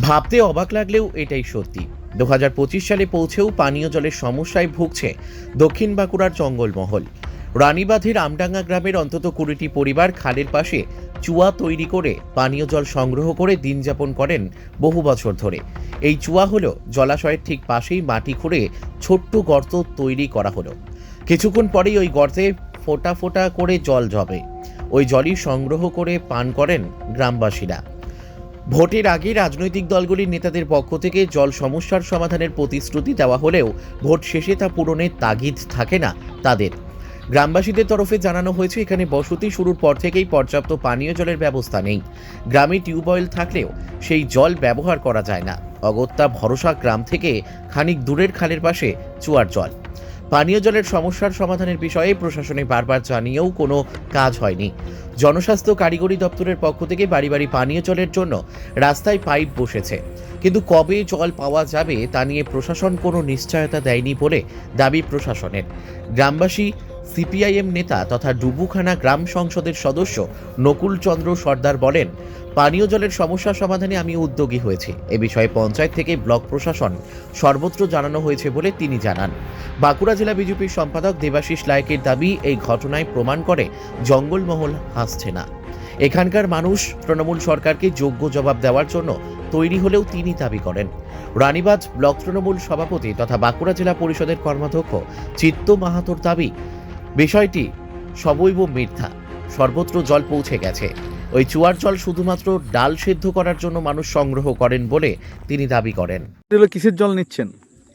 ভাবতে অবাক লাগলেও এটাই সত্যি। 2025 সালে পৌঁছেও পানীয় জলের সমস্যায় ভুগছে দক্ষিণ বাঁকুড়ার জঙ্গলমহল। রানীবাঁধের আমডাঙ্গা গ্রামের অন্তত 20টি পরিবার খালের পাশে চুয়া তৈরি করে পানীয় জল সংগ্রহ করে দিন যাপন করেন বহু বছর ধরে। এই চুয়া হলো জলাশয়ের ঠিক পাশেই মাটি খুঁড়ে ছোট্ট গর্ত তৈরি করা হলো। কিছুক্ষণ পরেই ওই গর্তে ফোঁটা ফোঁটা করে জল জমে। ওই জলই সংগ্রহ করে পান করেন গ্রামবাসীরা। ভোটের আগে রাজনৈতিক দলগুলির নেতাদের পক্ষ থেকে জল সমস্যার সমাধানের প্রতিশ্রুতি দেওয়া হলেও ভোট শেষে তা পূরণের তাগিদ থাকে না তাদের। গ্রামবাসীদের তরফে জানানো হয়েছে এখানে বসতি শুরুর পর থেকেই পর্যাপ্ত পানীয় জলের ব্যবস্থা নেই। গ্রামে টিউবওয়েল থাকলেও সেই জল ব্যবহার করা যায় না। অগত্যা ভরসা গ্রাম থেকে খানিক দূরের খালের পাশে চুয়ার জল। পানীয় জলের সমস্যার সমাধানের বিষয়ে প্রশাসনে বারবার জানিয়েও কোনো কাজ হয়নি। জনস্বাস্থ্য কারিগরি দপ্তরের পক্ষ থেকে বাড়ি বাড়ি পানীয় জলের জন্য রাস্তায় পাইপ বসেছে, কিন্তু কবে জল পাওয়া যাবে তা নিয়ে প্রশাসন কোনো নিশ্চয়তা দেয়নি বলে দাবি প্রশাসনের। গ্রামবাসী সিপিআইএম নেতা তথা ডুবুখানা গ্রাম সংসদের সদস্য নকুল চন্দ্র সর্দার বলেন, পানীয় জলের সমস্যা সমাধানে আমি উদ্যোগী হয়েছি। এ বিষয়ে পঞ্চায়েত থেকে ব্লক প্রশাসন সর্বত্র জানানো হয়েছে বলে তিনি জানান। বাঁকুড়া জেলা বিজেপির সম্পাদক দেবাশিস লায়েকের দাবি, এই ঘটনায় প্রমাণ করে জঙ্গলমহল হাসছে না। এখানকার মানুষ তৃণমূল সরকারকে যোগ্য জবাব দেওয়ার জন্য তৈরি হলেও তিনি দাবি করেন। রানীবাঁধ ব্লক তৃণমূল সভাপতি তথা বাঁকুড়া জেলা পরিষদের কর্মাধ্যক্ষ চিত্ত মাহাতোর দাবি, বিষয়টি সবৈব মিথ্যা। সর্বত্র জল পৌঁছে গেছে। ওই চুয়ার জল শুধুমাত্র ডাল সেদ্ধ করার জন্য মানুষ সংগ্রহ করেন বলে তিনি দাবি করেন। এগুলো কিসের জল নিচ্ছেন?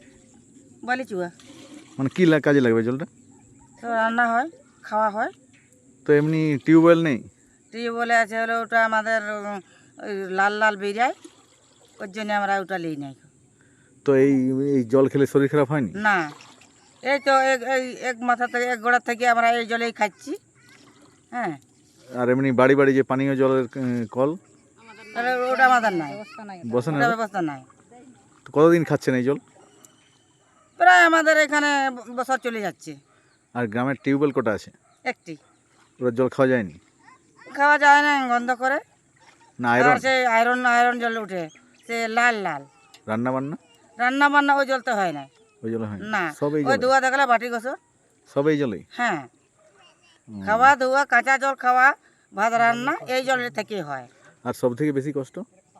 বালি চুয়া। মানে কি কাজে লাগবে জলটা? তো রান্না হয়, খাওয়া হয়। তো এমনি টিউবওয়েল নেই? টিউবওয়েলে আছে হলো ওটা আমাদের ওই লাল লাল বেরিয়ায়, ওর জন্য আমরা ওটা নিই নাই। তো এই এই জল খেলে শরীর খারাপ হয়নি? না, এই তো এক মাথা থেকে এক গোড়া থেকে আমরা এই জলেই খাচ্ছি। হ্যাঁ, আর এমনি বাড়ি বাড়ি যে পানীয় জলের কল, তাহলে ওটা আমাদের নাই, বসে না? ওটা ব্যবস্থা নাই। তো কতদিন খাচ্ছেন এই জল? প্রায় আমাদের এখানে বছর চলে যাচ্ছে। আর গ্রামের টিউবওয়েল কটা আছে? একটি ওরা জল খাওয়া যায়নি? খাওয়া যায় না, গন্ধ করে। না আর আয়রন? সে আয়রন জল উঠে, সে লাল লাল। রান্না বান্না? রান্না বান্না ওই জল তো হয় না। ওই জলে হয় না, সব এই ওই জলে? ধোয়া দেখলে বাটি গোসল। সব এই জলেই? হ্যাঁ, খাওয়া ধোয়া, কাঁচা জল খাওয়া, ভাত রান্না এই জলের থেকে হয়। আর সব থেকে বেশি কষ্ট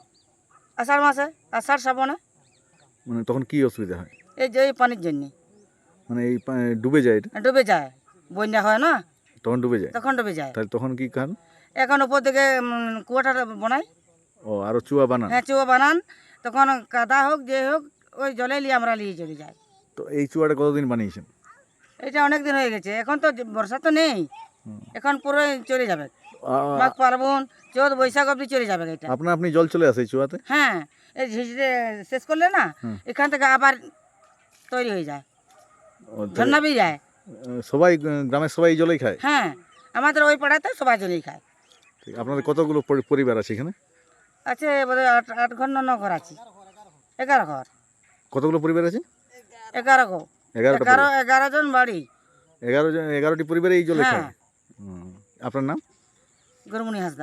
আষাঢ় মাসে, আষাঢ় শ্রাবণে, মানে তখন কি অসুবিধা হয়? এই যে এই পানির জন্য মানে এই ডুবে যায় এটা? ডুবে যায়। বন্যা হয় না, তখন ডুবে যায়? তখন ডুবে যায়। তাহলে তখন কি খান? এখন উপর দিকে কুয়াটা বানাই। ও আরো চুয়া বানান? হ্যাঁ, চুয়া বানান। তখন কাদা হোক যে হোক, ওই জলে নিয়ে আমরা নিয়ে চলে যাই। তো এই চুয়াটা কতদিন বানিয়েছেন? এটা অনেক দিন হয়ে গেছে। এখন তো বর্ষা তো নেই, এখন পুরো চলে যাবে। মাঘ পার্বণ, চৈত বৈশাখ অবধি চলে যাবে এটা। আপনি জল চলে আসে এই চুয়াতে? হ্যাঁ, এই ঝিঝড়ে শেষ করলে না, এখান থেকে আবার তৈরি হয়ে যায়, ঝর্ণা বেরিয়ে যায়। সবাই গ্রামের সবাই এই জলেই খায়? হ্যাঁ, আমাদের ওই পাড়াতে সবাই জলেই খায়। ঠিক। আপনাদের কতগুলো পরিবার আছে এখানে? আছে বোধহয় আট ঘর না 9 ঘর আছে, 11 ঘর। কতগুলো পরিবার আছে? 11 ঘর, 11 জন বাড়ি। 11টি পরিবারে এই জলে হ্যাঁ। খায়? আপনার নাম? গরমুনি হাসদা।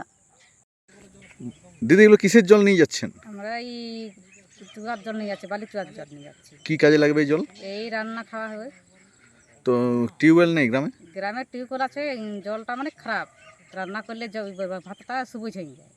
দিদি, এগুলো কিসের জল নিয়ে যাচ্ছেন? আমরা এই চুয়ার জল নিয়ে যাচ্ছি, বালি চুয়ার জল নিয়ে যাচ্ছি। কি কাজে লাগবে এই জল? এই রান্না খাওয়া হবে। তো টিউবওয়েল নেই গ্রামে? গ্রামের টিউবওয়েল আছে, জলটা মানে খারাপ, রান্না করলে ভাতটা সবুজ হয়ে যায়।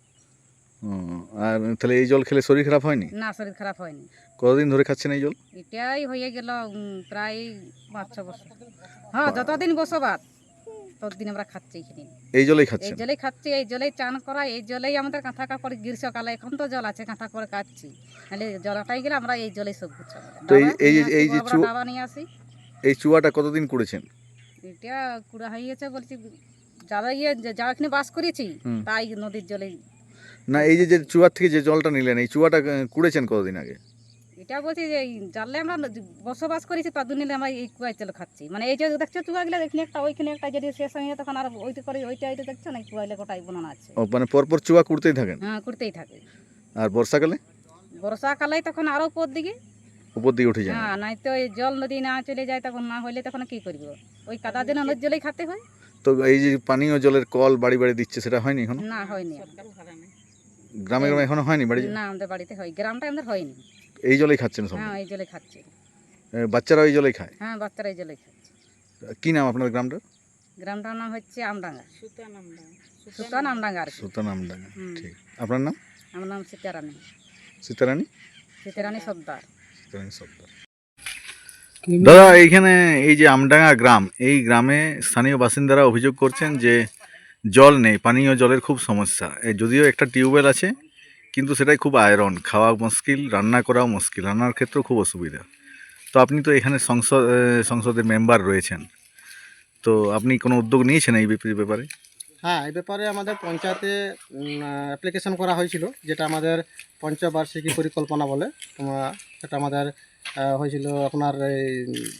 আর তাহলে এই জল খেলে শরীর খারাপ হয়নি? না, শরীর খারাপ হয়নি। কতদিন ধরে খাচ্ছেন এই জল? এটাই হয়ে গেল প্রায় 5-6 বছর। হ্যাঁ, যতদিন বসবাস ততদিন আমরা খাচ্ছি এখানে। এই জলেই এই খাচ্ছেন? জলেই খাচ্ছি, এই জলেই চান করা, এই জলেই আমাদের কাঁথা কাপড় গ্রীষ্মকালে এখন তো জল আছে, কাঁথা করে কাটছি। নাহলে জলটাই গেলে আমরা এই জলেই সব কিছু। তো এই যে ডাবা নিয়ে আসি। এই চুয়াটা কতদিন করেছেন? এটা কুড়া হয়ে গেছে বলছি, যারা যা এখানে বাস করেছি তাই নদীর জলে। না, এই যে চুয়ার থেকে যে জলটা নিলেন, এই চুয়াটা কুড়েছেন কতদিন আগে? এটা বলছি যে জানলে আমরা বসবাস করেছি তার নিলে আমরা এই কুয়ায় জল খাচ্ছি। মানে এই যে দেখছো চুয়াগুলো, এখানে একটা ওইখানে একটা, যদি শেষ হয়ে যায় তখন আর ওইটা করে ওইটা দেখছো না, কুয়াইলে গোটাই বনানো আছে। ও মানে পরপর চুয়া কুড়তেই থাকেন? হ্যাঁ, করতেই থাকে। আর বর্ষাকালে? বর্ষাকালে তখন আরো উপর দিকে উঠে যায়? হ্যাঁ, নাই তো এই জল নদী না চলে যায়, তখন না হইলে তখন কি করবো, ওই কাদা যেন নদীর জলেই খাতে হয়। তো এই যে পানীয় জলের কল বাড়ি বাড়ি দিচ্ছে, সেটা হয়নি এখন? না, হয়নি। গ্রামে গ্রামে এখনো হয়নি বাড়ি? না আমাদের বাড়িতে হয়, গ্রামটা আমাদের হয়নি। এই জলেই খাচ্ছেন সব? হ্যাঁ এই জলে খাচ্ছি। বাচ্চারা এই জলেই খায়? হ্যাঁ বাচ্চারা এই জলে খাচ্ছে। কি নাম আপনার গ্রামটা? গ্রামটার নাম হচ্ছে আমডাঙ্গা, সুতান আমডাঙ্গা আর কি। সুতান আমডাঙ্গা। হুম। ঠিক। আপনার নাম? আমার নাম সীতারানী, সীতারানী? সীতারানী সর্দার। সীতারানী সর্দার। দাদা, এইখানে এই যে আমডাঙ্গা গ্রাম, এই গ্রামে স্থানীয় বাসিন্দারা অভিযোগ করছেন যে জল নেই, পানীয় জলের খুব সমস্যা। যদিও একটা টিউবওয়েল আছে কিন্তু সেটাই খুব আয়রন, খাওয়া মুশকিল, রান্না করাও মুশকিল, রান্নার ক্ষেত্রেও খুব অসুবিধা। তো আপনি তো এখানে সংসদের মেম্বার রয়েছেন, তো আপনি কোনো উদ্যোগ নিয়েছেন এই ব্যাপারে? হ্যাঁ, এই ব্যাপারে আমাদের পঞ্চায়েতে অ্যাপ্লিকেশন করা হয়েছিল, যেটা আমাদের পঞ্চবার্ষিকী পরিকল্পনা বলে। সেটা আমাদের হয়েছিল আপনার এই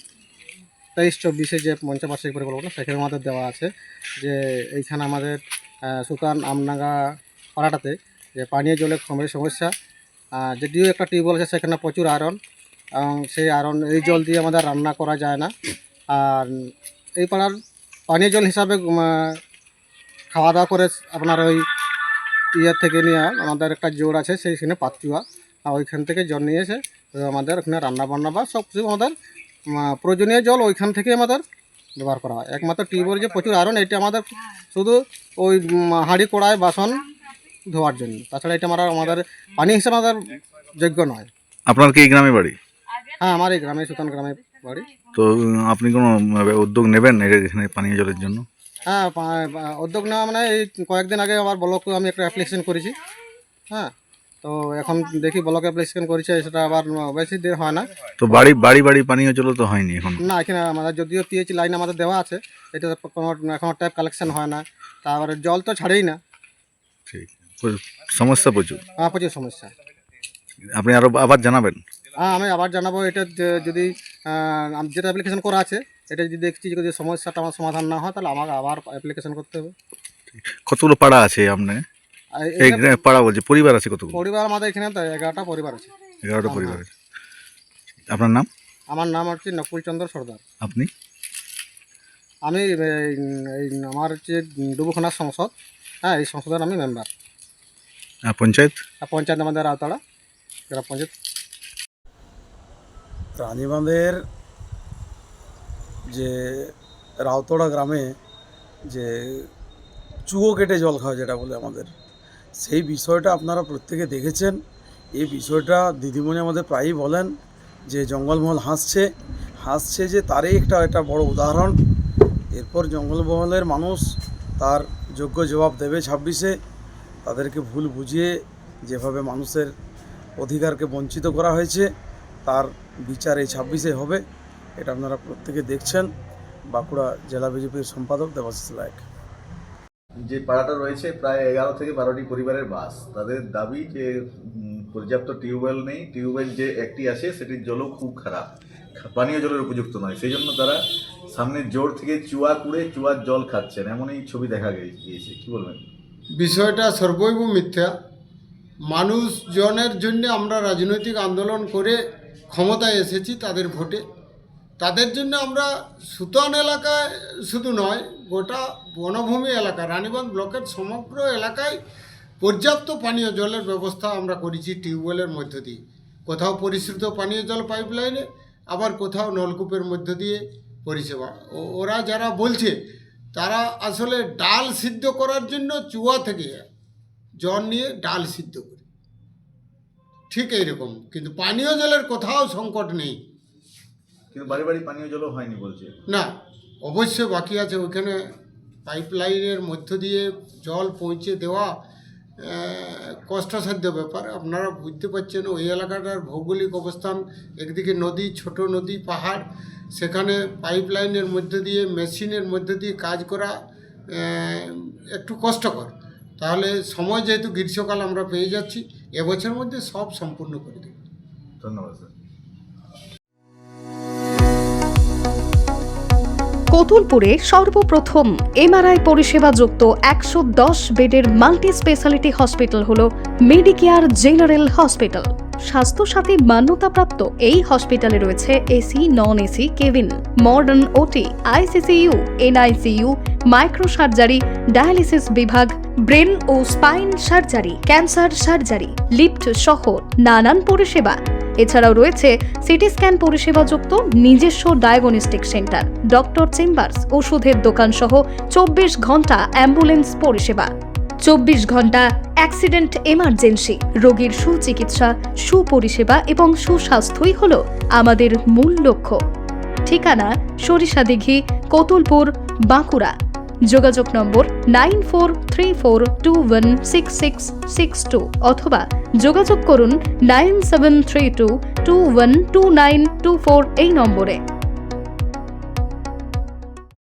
23-24 যে পঞ্চবার্ষিকী পরিকল্পনা, সেখানে আমাদের দেওয়া আছে যে এইখানে আমাদের সুতান আমডাঙ্গা পাড়াটাতে যে পানীয় জলের সমস্যা। যদিও একটা টিউবওয়েল আছে সেখানে প্রচুর আয়রন, এবং সেই আয়রন এই জল দিয়ে আমাদের রান্না করা যায় না। আর এই পাড়ার পানীয় জল হিসাবে খাওয়া দাওয়া করে আপনার ওই ইয়ার থেকে নিয়ে আমাদের একটা জোর আছে সেইখানে পাতুয়া, আর ওইখান থেকে জল নিয়ে এসে আমাদের ওখানে রান্না বান্না বা সব কিছু আমাদের প্রয়োজনীয় জল ওইখান থেকে আমাদের ব্যবহার করা হয়। একমাত্র টিউবওয়েল যে প্রচুর আয়রন, এটা আমাদের শুধু ওই হাঁড়ি কড়াই বাসন ধোয়ার জন্য, তাছাড়া এটা আমাদের পানি হিসেবে আমাদের যোগ্য নয়। আপনার কি এই গ্রামে বাড়ি? হ্যাঁ, আমার এই গ্রামে সুতান গ্রামে বাড়ি। তো আপনি কোনো উদ্যোগ নেবেন এখানে পানীয় জলের জন্য? হ্যাঁ, উদ্যোগ নেওয়া মানে এই কয়েকদিন আগে আমার ব্লকে আমি একটা অ্যাপ্লিকেশন করেছি। হ্যাঁ, তো এখন দেখি ব্লকে অ্যাপ্লিকেশন করেছে, সেটা আবার বেশি দিন হয় না। তো বাড়ি বাড়ি বাড়ি পানীয় জল তো হয়নি এখন? না, এখানে আমাদের যদিও পিএইচ লাইন আমাদের দেওয়া আছে, এটা কোনো এখনও ট্যাপ কালেকশন হয় না, তারপরে জল তো ছাড়েই না। ঠিক, সমস্যা প্রচুর। হ্যাঁ, প্রচুর সমস্যা। আপনি আবার জানাবেন? হ্যাঁ, আমি আবার জানাবো। এটা যদি যেটা অ্যাপ্লিকেশন করা আছে, এটা যদি দেখছি যদি সমস্যাটা আমার সমাধান না হয়, তাহলে আমাকে আবার অ্যাপ্লিকেশন করতে হবে। কতগুলো পাড়া আছে আপনার? এই পাড়া বলছি, পরিবার আছে কতগুলো? পরিবার আমাদের এখানে তো 11টা পরিবার আছে। 11টা পরিবার আছে। আপনার নাম? আমার নাম হচ্ছে নকুল চন্দ্র সর্দার। আপনি? আমি আমার হচ্ছে ডুবুখানা সংসদ, হ্যাঁ এই সংসদের আমি মেম্বার। পঞ্চায়েত? পঞ্চায়েত আমাদের রাউতাড়া গ্রাম পঞ্চায়েত। রানীবাঁধের যে রাউতড়া গ্রামে যে চুয়ো কেটে জল খাওয়া যেটা বলে আমাদের, সেই বিষয়টা আপনারা প্রত্যেকে দেখেছেন। এই বিষয়টা দিদিমণি আমাদের প্রায়ই বলেন যে জঙ্গলমহল হাসছে যে তারই একটা বড় উদাহরণ। এরপর জঙ্গলমহলের মানুষ তার যোগ্য জবাব দেবে 26-এ। তাদেরকে ভুল বুঝিয়ে যেভাবে মানুষের অধিকারকে বঞ্চিত করা হয়েছে তার বিচার এই 26-এ হবে, এটা আপনারা প্রত্যেকে দেখছেন। বাঁকুড়া জেলা বিজেপির সম্পাদক দেবাশিস লায়ক। যে পাড়াটা রয়েছে প্রায় 11 থেকে 12টি পরিবারের বাস। তাদের দাবি যে পর্যাপ্ত টিউবওয়েল নেই, টিউবওয়েল যে একটি আছে সেটির জলও খুব খারাপ, পানীয় জলের উপযুক্ত নয়। সেই জন্য তারা সামনের জোর থেকে চুয়া কুড়ে চুয়ার জল খাচ্ছেন, এমনই ছবি দেখা গিয়েছে। কি বলবেন? বিষয়টা সর্বৈব মিথ্যা। মানুষজনের জন্য আমরা রাজনৈতিক আন্দোলন করে ক্ষমতায় এসেছি তাদের ভোটে। তাদের জন্য আমরা সুতান এলাকায় শুধু নয়, গোটা বনভূমি এলাকা রানীবাঁধ ব্লকের সমগ্র এলাকায় পর্যাপ্ত পানীয় জলের ব্যবস্থা আমরা করেছি টিউবওয়েলের মধ্য দিয়ে। কোথাও পরিশ্রুত পানীয় জল পাইপলাইনে, আবার কোথাও নলকূপের মধ্য দিয়ে পরিষেবা। ওরা যারা বলছে তারা আসলে ডাল সিদ্ধ করার জন্য চুয়া থেকে জল নিয়ে ডাল সিদ্ধ করে, ঠিক এইরকম। কিন্তু পানীয় জলের কোথাও সংকট নেই। কিন্তু বাড়ি বাড়ি পানীয় জলও হয়নি বলছে। না, অবশ্যই বাকি আছে। ওইখানে পাইপলাইনের মধ্য দিয়ে জল পৌঁছে দেওয়া কষ্টসাধ্য ব্যাপার। আপনারা বুঝতে পারছেন ওই এলাকাটার ভৌগোলিক অবস্থান, একদিকে নদী, ছোট নদী, পাহাড়, সেখানে পাইপলাইনের মধ্য দিয়ে মেশিনের মধ্য দিয়ে কাজ করা একটু কষ্টকর। তাহলে সময় যেহেতু গ্রীষ্মকাল আমরা পেয়ে যাচ্ছি, এবছরের মধ্যে সব সম্পূর্ণ করে দেব। ধন্যবাদ স্যার। কতুলপুরে সর্বপ্রথম এমআরআই পরিষেবা যুক্ত 110 বেডের মাল্টি স্পেশালিটি হসপিটাল হল মেডিকেয়ার জেনারেল হসপিটাল। স্বাস্থ্যসাথী মান্যতাপ্রাপ্ত এই হসপিটালে রয়েছে AC, non AC cabin, modern OT, ICCU, NICU, micro surgery, dialysis বিভাগ, ব্রেন ও spine surgery, cancer surgery, lift সহ নানান পরিষেবা। এছাড়াও রয়েছে সিটি স্ক্যান পরিষেবাযুক্ত নিজস্ব ডায়াগনস্টিক সেন্টার, ডক্টর চেম্বার্স, ওষুধের দোকান সহ 24 ঘন্টা অ্যাম্বুলেন্স পরিষেবা। 24 ঘন্টা অ্যাক্সিডেন্ট এমার্জেন্সি। রোগীর সুচিকিৎসা, সুপরিষেবা এবং সুস্বাস্থ্যই হল আমাদের মূল লক্ষ্য। ঠিকানা সরিষাদিঘি, কতুলপুর, বাঁকুড়া। যোগাযোগ নম্বর 9434216662 অথবা যোগাযোগ করুন 9732212924 এই নম্বরে।